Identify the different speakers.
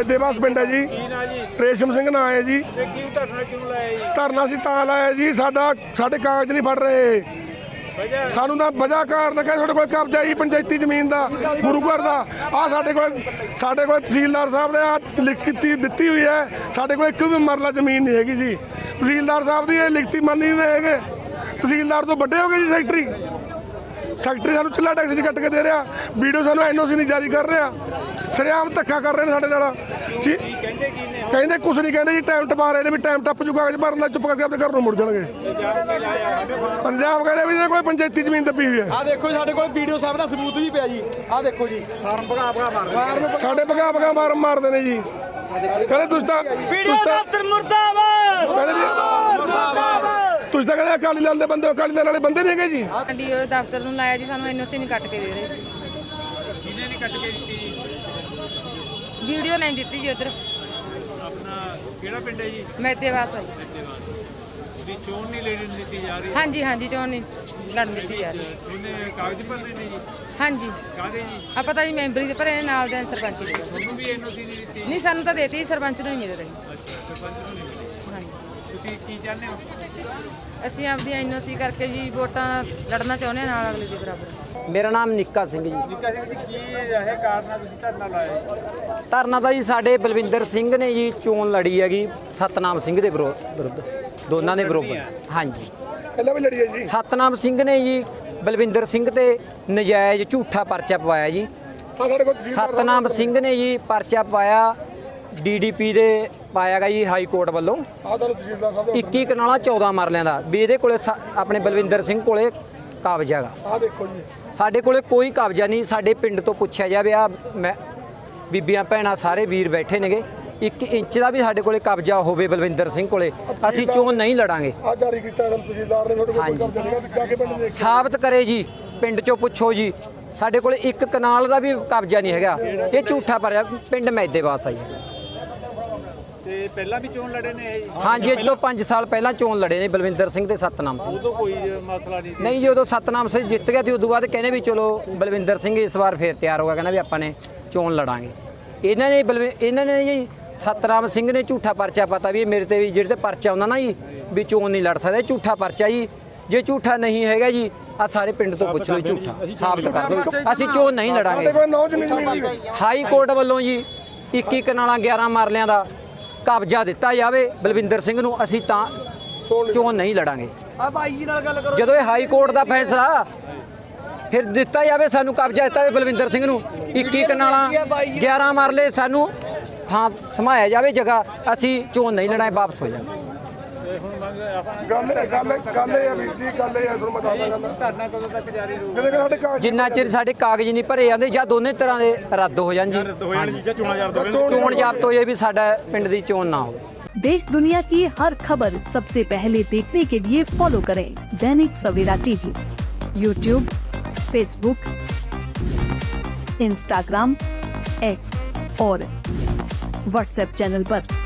Speaker 1: ਮੈਦੇਵਾਸ ਪਿੰਡ है जी। रेशम सिंह नाम है जी। धरना ਅਸੀਂ ਤਾਂ ਲਾਇਆ जी, ਸਾਡੇ ਕਾਗਜ਼ ਨਹੀਂ ਫੜ ਰਹੇ। ਸਾਨੂੰ ਤਾਂ ਵਜ੍ਹਾ ਕਾਰਨ ਕਿ ਸਾਡੇ ਕੋਲ ਕਬਜ਼ਾ ਹੀ ਪੰਚਾਇਤੀ ਜ਼ਮੀਨ ਦਾ, ਗੁਰੂ ਘਰ ਦਾ। ਆ ਸਾਡੇ ਕੋਲ ਤਹਿਸੀਲਦਾਰ ਸਾਹਿਬ ਨੇ ਆ ਲਿਖਤੀ ਦਿੱਤੀ ਹੋਈ ਹੈ। ਸਾਡੇ ਕੋਲ ਇੱਕ ਵੀ ਮਰਲਾ ਜ਼ਮੀਨ ਨਹੀਂ ਹੈਗੀ ਜੀ। ਤਹਿਸੀਲਦਾਰ ਸਾਹਿਬ ਦੀ ਇਹ ਲਿਖਤੀ ਮੰਨੀ ਨਹੀਂ ਹੈਗੇ। ਤਹਿਸੀਲਦਾਰ ਤੋਂ ਵੱਡੇ ਹੋ ਗਏ ਜੀ ਸੈਕਟਰੀ ਸਾਨੂੰ ਚੁੱਲ੍ਹਾ ਟੈਕਸ ਕੱਟ ਕੇ ਦੇ ਰਿਹਾ। ਵੀਡੀਓ ਸਾਨੂੰ NOC ਨਹੀਂ ਜਾਰੀ ਕਰ ਰਿਹਾ। ਸਰਿਆਮ ਧੱਕਾ ਕਰ ਰਹੇ ਨੇ ਸਾਡੇ ਨਾਲ। ਕਹਿੰਦੇ ਕੁਛ ਨਹੀਂ ਕਹਿੰਦੇ ਜੀ, ਟਾਈਮ ਟਪਾ ਰਹੇ ਨੇ ਵੀ ਟਾਈਮ ਟੱਪ ਜੂ, ਕਾਗਜ਼ ਭਰਨ ਦਾ ਚੁੱਪ ਕਰਕੇ ਆਪਣੇ ਘਰ ਨੂੰ ਮੁੜ ਜਾਣਗੇ। ਪੰਜਾਬ ਕਹਿੰਦੇ ਵੀ ਕੋਈ ਪੰਚਾਇਤੀ ਜ਼ਮੀਨ ਦੱਬੀ ਹੋਈ ਹੈ।
Speaker 2: ਆ ਦੇਖੋ ਸਾਡੇ ਕੋਲ ਵੀਡੀਓ ਸਾਹਿਬ ਦਾ ਸਬੂਤ ਵੀ ਪਿਆ ਜੀ। ਆ ਦੇਖੋ ਜੀ ਫਾਰਮ ਭਗਾ ਮਾਰਦੇ,
Speaker 1: ਸਾਡੇ ਭਗਾ ਫਾਰਮ ਮਾਰਦੇ ਨੇ ਜੀ। ਕਹਿੰਦੇ ਤੁਸੀਂ ਤਾਂ ਕਹਿੰਦੇ ਅਕਾਲੀ ਦਲ ਦੇ ਬੰਦੇ, ਅਕਾਲੀ ਦਲ ਵਾਲੇ ਬੰਦੇ ਨਹੀਂ ਹੈਗੇ ਜੀ।
Speaker 3: ਡੀਓ ਦਫ਼ਤਰ ਨੂੰ ਲਾਇਆ ਜੀ, ਸਾਨੂੰ NOC ਨਹੀਂ ਕੱਟ ਕੇ ਦੇ ਰਹੇ।
Speaker 4: ਕਿਹਨੇ ਨਹੀਂ ਕੱਟ ਕੇ ਦਿੱਤੀ ਜੀ?
Speaker 3: ਵੀਡੀਓ ਨਹੀਂ ਦਿੱਤੀ ਜੀ। ਉਧਰ
Speaker 4: ਆਪਣਾ ਕਿਹੜਾ ਪਿੰਡ ਹੈ ਜੀ?
Speaker 3: ਮੈਦੇਵਾਸ
Speaker 4: ਵੀ ਚੋਣ ਨਹੀਂ ਲੈਣ ਦਿੱਤੀ ਜਾ ਰਹੀ?
Speaker 3: ਹਾਂਜੀ ਚੋਣ ਨਹੀਂ ਲੜਨ ਦਿੱਤੀ ਜਾ ਰਹੀ।
Speaker 4: ਉਹਨੇ ਕਾਗਜ਼ ਭਰਨੇ ਨੇ ਜੀ?
Speaker 3: ਹਾਂਜੀ।
Speaker 4: ਕਾਹਦੇ ਜੀ?
Speaker 3: ਆ ਪਤਾ ਜੀ ਮੈਂਬਰੀ ਦੇ ਭਰੇ ਨੇ, ਨਾਲ ਦੇ ਸਰਪੰਚ ਦੇ।
Speaker 4: ਤੁਹਾਨੂੰ ਵੀ NOC ਨਹੀਂ ਦਿੱਤੀ?
Speaker 3: ਨਹੀਂ, ਸਾਨੂੰ ਤਾਂ ਦੇਤੀ, ਸਰਪੰਚ ਨੂੰ ਨਹੀਂ ਮਿਲ ਰਹੀ।
Speaker 4: ਅੱਛਾ, ਸਰਪੰਚ ਨੂੰ ਨਹੀਂ ਮਿਲੀ।
Speaker 3: ਹਾਂਜੀ।
Speaker 4: ਤੁਸੀਂ ਕੀ ਚਾਹੁੰਦੇ ਹੋ?
Speaker 3: ਅਸੀਂ ਆਪਦੀ NOC ਕਰਕੇ ਜੀ ਵੋਟਾਂ ਲੜਨਾ ਚਾਹੁੰਦੇ ਹਾਂ ਨਾਲ ਅਗਲੇ ਦੇ ਬਰਾਬਰ।
Speaker 5: ਮੇਰਾ ਨਾਮ ਨਿੱਕਾ ਸਿੰਘ ਜੀ।
Speaker 4: ਨਿੱਕਾ ਸਿੰਘ ਜੀ, ਕੀ ਇਹ ਕਾਰਨ ਆ ਤੁਸੀਂ ਧਰਨਾ ਲਾਇਆ ਜੀ?
Speaker 5: ਧਰਨਾ ਤਾਂ ਜੀ ਸਾਡੇ ਬਲਵਿੰਦਰ ਸਿੰਘ ਨੇ ਜੀ ਚੋਣ ਲੜੀ ਹੈਗੀ ਸਤਨਾਮ ਸਿੰਘ ਦੇ ਵਿਰੁੱਧ, ਦੋਨਾਂ ਦੇ ਬਰੋਬਰ। ਹਾਂਜੀ,
Speaker 1: ਪਹਿਲਾਂ ਵੀ ਲੜੀ ਹੈ ਜੀ।
Speaker 5: ਸਤਨਾਮ ਸਿੰਘ ਨੇ ਜੀ ਬਲਵਿੰਦਰ ਸਿੰਘ ਤੇ ਨਜਾਇਜ਼ ਝੂਠਾ ਪਰਚਾ ਪਵਾਇਆ ਜੀ।
Speaker 1: ਸਾਡੇ ਕੋਲ
Speaker 5: ਸਤਨਾਮ ਸਿੰਘ ਨੇ ਜੀ ਪਰਚਾ ਪਾਇਆ DDP ਦੇ ਪਾਇਆ ਗਾ ਜੀ ਹਾਈ ਕੋਰਟ ਵੱਲੋਂ।
Speaker 1: ਸਾਨੂੰ ਤਹਿਸੀਲਦਾਰ ਸਾਹਿਬ
Speaker 5: 21 ਕਨਾਲਾਂ 14 ਮਰਲਿਆਂ ਦਾ ਵੀ ਇਹਦੇ ਕੋਲੇ ਆਪਣੇ ਬਲਵਿੰਦਰ ਸਿੰਘ ਕੋਲੇ ਕਬਜ਼ਾ ਗਾ।
Speaker 1: ਆ ਦੇਖੋ ਜੀ,
Speaker 5: ਸਾਡੇ ਕੋਲੇ ਕੋਈ ਕਬਜ਼ਾ ਨਹੀਂ। ਸਾਡੇ ਪਿੰਡ ਤੋਂ ਪੁੱਛਿਆ ਜਾਵੇ, ਆ ਮੈਂ ਬੀਬੀਆਂ ਭੈਣਾਂ ਸਾਰੇ ਵੀਰ ਬੈਠੇ ਨੇਗੇ, 1 ਇੰਚ ਦਾ ਵੀ ਸਾਡੇ ਕੋਲੇ ਕਬਜ਼ਾ ਹੋਵੇ ਬਲਵਿੰਦਰ ਸਿੰਘ ਕੋਲੇ, ਅਸੀਂ ਚੋਣ ਨਹੀਂ ਲੜਾਂਗੇ।
Speaker 1: ਆ ਜਾਰੀ ਕੀਤਾ ਤਹਿਸੀਲਦਾਰ ਨੇ, ਤੁਹਾਡੇ ਕੋਲ ਕਬਜ਼ਾ ਨਹੀਂਗਾ, ਜਾ ਕੇ ਪਿੰਡ ਦੇਖ
Speaker 5: ਸਾਬਤ ਕਰੇ ਜੀ, ਪਿੰਡ ਚੋਂ ਪੁੱਛੋ ਜੀ। ਸਾਡੇ ਕੋਲੇ 1 ਕਨਾਲ ਦਾ ਵੀ ਕਬਜ਼ਾ ਨਹੀਂ ਹੈਗਾ। ਇਹ ਝੂਠਾ ਭਰਿਆ ਪਿੰਡ ਮੈਦੇਵਾਸ ਆ ਜੀ।
Speaker 4: ਤੇ ਪਹਿਲਾਂ ਵੀ ਚੋਣ ਲੜੇ ਨੇ ਇਹ?
Speaker 5: ਹਾਂਜੀ, ਅੱਜ ਤੋਂ 5 ਸਾਲ ਪਹਿਲਾਂ ਚੋਣ ਲੜੇ ਨੇ ਬਲਵਿੰਦਰ ਸਿੰਘ ਤੇ ਸਤਨਾਮ ਸਿੰਘ।
Speaker 4: ਉਦੋਂ ਕੋਈ ਮਸਲਾ ਨਹੀਂ ਸੀ?
Speaker 5: ਨਹੀਂ ਜੀ, ਉਦੋਂ ਸਤਨਾਮ ਸਿੰਘ ਜਿੱਤ ਗਿਆ ਤੇ ਉਦੋਂ ਬਾਅਦ ਕਹਿੰਦੇ ਵੀ ਚਲੋ ਬਲਵਿੰਦਰ ਸਿੰਘ ਇਸ ਵਾਰ ਫੇਰ ਤਿਆਰ ਹੋ ਗਿਆ, ਕਹਿੰਦਾ ਵੀ ਆਪਾਂ ਨੇ ਚੋਣ ਲੜਾਂਗੇ। ਇਹਨਾਂ ਨੇ ਜੀ ਸਤਨਾਮ ਸਿੰਘ ਨੇ ਝੂਠਾ ਪਰਚਾ ਪਤਾ ਵੀ ਮੇਰੇ ਤੇ ਵੀ ਜਿਹੜੇ ਤੇ ਪਰਚਾ ਆਉਂਦਾ ਨਾ ਜੀ ਵੀ ਚੋਣ ਨਹੀਂ ਲੜ ਸਕਦਾ, ਝੂਠਾ ਪਰਚਾ ਜੀ। ਜੇ ਝੂਠਾ ਨਹੀਂ ਹੈਗਾ ਜੀ, ਆ ਸਾਰੇ ਪਿੰਡ ਤੋਂ ਪੁੱਛ ਲਓ, ਝੂਠਾ ਸਾਬਤ ਕਰ ਦਿਓ, ਅਸੀਂ ਚੋਣ ਨਹੀਂ ਲੜਾਂਗੇ। ਹਾਈ ਕੋਰਟ ਵੱਲੋਂ ਜੀ 21 ਕਨਾਲਾਂ 11 ਮਰਲਿਆਂ ਦਾ ਕਬਜ਼ਾ ਦਿੱਤਾ ਜਾਵੇ ਬਲਵਿੰਦਰ ਸਿੰਘ ਨੂੰ, ਅਸੀਂ ਤਾਂ ਚੋਣ ਨਹੀਂ ਲੜਾਂਗੇ।
Speaker 2: ਆ ਬਾਈ ਜੀ ਨਾਲ ਗੱਲ ਕਰੋ।
Speaker 5: ਜਦੋਂ ਇਹ ਹਾਈ ਕੋਰਟ ਦਾ ਫੈਸਲਾ ਫਿਰ ਦਿੱਤਾ ਜਾਵੇ, ਸਾਨੂੰ ਕਬਜ਼ਾ ਦਿੱਤਾ ਜਾਵੇ ਬਲਵਿੰਦਰ ਸਿੰਘ ਨੂੰ, 21 ਕਨਾਲਾਂ 11 ਮਰਲੇ ਸਾਨੂੰ ਥਾਂ ਸਮਾਇਆ ਜਾਵੇ ਜਗ੍ਹਾ, ਅਸੀਂ ਚੋਣ ਨਹੀਂ ਲੜਾਂਗੇ, ਵਾਪਸ ਹੋ ਜਾਵਾਂਗੇ।
Speaker 1: ਗੱਲ ਇਹ ਆ ਵੀਰ ਜੀ, ਗੱਲ ਇਹ ਆ, ਤੁਹਾਨੂੰ ਮੈਂ ਦੱਸਦਾ ਗੱਲ।
Speaker 4: ਧਰਨਾ ਕਦੋਂ ਤੱਕ ਜਾਰੀ ਰਹੂਗਾ?
Speaker 1: ਜਿਹੜੇ ਸਾਡੇ ਕਾਗਜ਼
Speaker 5: ਜਿੰਨਾ ਚਿਰ ਸਾਡੇ ਕਾਗਜ਼ ਨਹੀਂ ਭਰੇ ਜਾਂਦੇ ਜਾਂ ਦੋਨੇ ਤਰ੍ਹਾਂ ਦੇ ਰੱਦ ਹੋ ਜਾਣ ਜੀ, ਚੋਣ ਜ਼ਾਬਤ ਹੋ ਜਾਏ ਵੀ ਸਾਡਾ ਪਿੰਡ ਦੀ ਚੋਣ ਨਾ ਹੋਵੇ।
Speaker 6: देश दुनिया की हर खबर सबसे पहले देखने के लिए फॉलो करें Dainik Savera TV, YouTube, Facebook, Instagram, X और WhatsApp चैनल पर।